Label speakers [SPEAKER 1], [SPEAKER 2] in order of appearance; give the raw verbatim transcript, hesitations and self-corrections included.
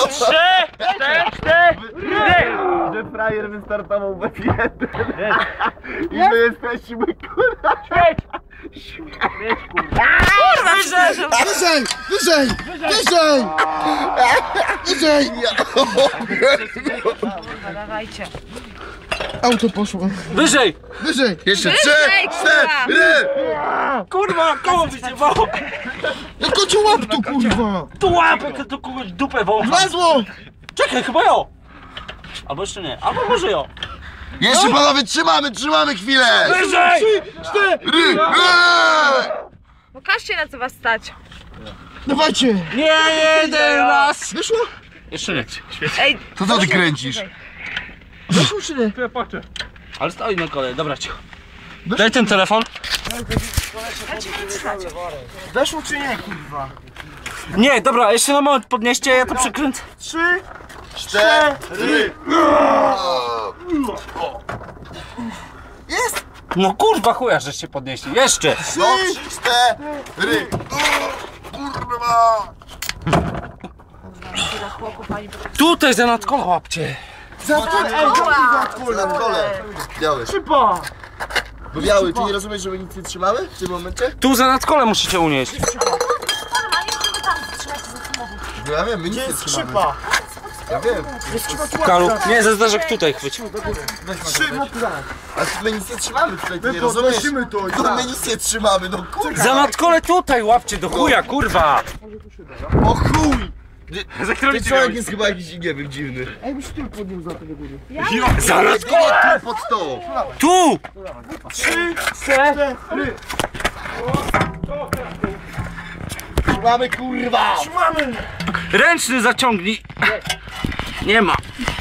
[SPEAKER 1] Trzy, cztery, cztery!
[SPEAKER 2] Że frajer wystartował we jeden. I my jesteśmy kurwa.
[SPEAKER 1] Śmieć! Śmieć kurwa! Wyżej!
[SPEAKER 3] Wyżej! Wyżej! Wyżej! Wyżej!
[SPEAKER 4] Dawajcie.
[SPEAKER 3] Auto poszło.
[SPEAKER 1] Wyżej!
[SPEAKER 3] Wyżej!
[SPEAKER 2] Jeszcze trzy, cztery!
[SPEAKER 1] Kurwa, koło wyciągało!
[SPEAKER 3] Jak cię łap tu, kurwa!
[SPEAKER 1] Tu łapek, to kogoś dupę wącha!
[SPEAKER 3] Wlazło!
[SPEAKER 1] Czekaj, chyba ją! Albo jeszcze nie, albo może ją!
[SPEAKER 2] Jeszcze panowie, trzymamy, trzymamy chwilę!
[SPEAKER 1] Wyżej!
[SPEAKER 2] Ry,
[SPEAKER 4] Pokażcie, na co was stać.
[SPEAKER 3] Dawajcie!
[SPEAKER 1] Nie jeden raz!
[SPEAKER 3] Wyszło?
[SPEAKER 1] Jeszcze nie.
[SPEAKER 4] Ej,
[SPEAKER 2] To co ty kręcisz?
[SPEAKER 3] Wyszło czy nie?
[SPEAKER 1] Ale stoi na kolej, dobra cicho. Daj ten telefon.
[SPEAKER 3] Weszło czy nie, kurwa?
[SPEAKER 1] Nie, dobra, jeszcze na moment podnieście, ja to przekręcę.
[SPEAKER 3] Trzy,
[SPEAKER 2] Cztery!
[SPEAKER 3] jest!
[SPEAKER 1] No kurwa chuja, żeście podnieśli. Jeszcze!
[SPEAKER 2] No, cztery! Kurwa!
[SPEAKER 1] Tutaj za nadkola łapcie.
[SPEAKER 3] Za to, ej, za
[SPEAKER 2] Kul na kole! Biały.
[SPEAKER 3] Szyba!
[SPEAKER 2] Bo biały, ty nie rozumiesz, że my nic nie trzymały w tym momencie?
[SPEAKER 1] Tu za nadkole musicie unieść.
[SPEAKER 2] No ja wiem, my nic nie
[SPEAKER 3] Jest
[SPEAKER 2] trzymamy.
[SPEAKER 3] szyba!
[SPEAKER 2] Ja wiem.
[SPEAKER 1] Kalu, nie, ze zderzek tutaj chwyć.
[SPEAKER 3] Trzy,
[SPEAKER 2] A my nic nie trzymamy tutaj, ty
[SPEAKER 3] my
[SPEAKER 2] nie rozumiesz?
[SPEAKER 3] podnosimy to i
[SPEAKER 2] No
[SPEAKER 3] tak.
[SPEAKER 2] my nic nie trzymamy, no kurwa!
[SPEAKER 1] Za nadkole tutaj łapcie do chuja, kurwa.
[SPEAKER 2] O chuj!
[SPEAKER 1] Za
[SPEAKER 2] Ten człowiek jest chyba jakiś, nie wiem, dziwny.
[SPEAKER 3] Ej, byś ty podniósł za tego góry.
[SPEAKER 1] Za nadkole!
[SPEAKER 2] Tu pod to!
[SPEAKER 1] Tu!
[SPEAKER 3] Trzy, cztery!
[SPEAKER 2] Trzymamy kurwa!
[SPEAKER 3] Trzymamy!
[SPEAKER 1] Ręczny zaciągnij. Nie ma.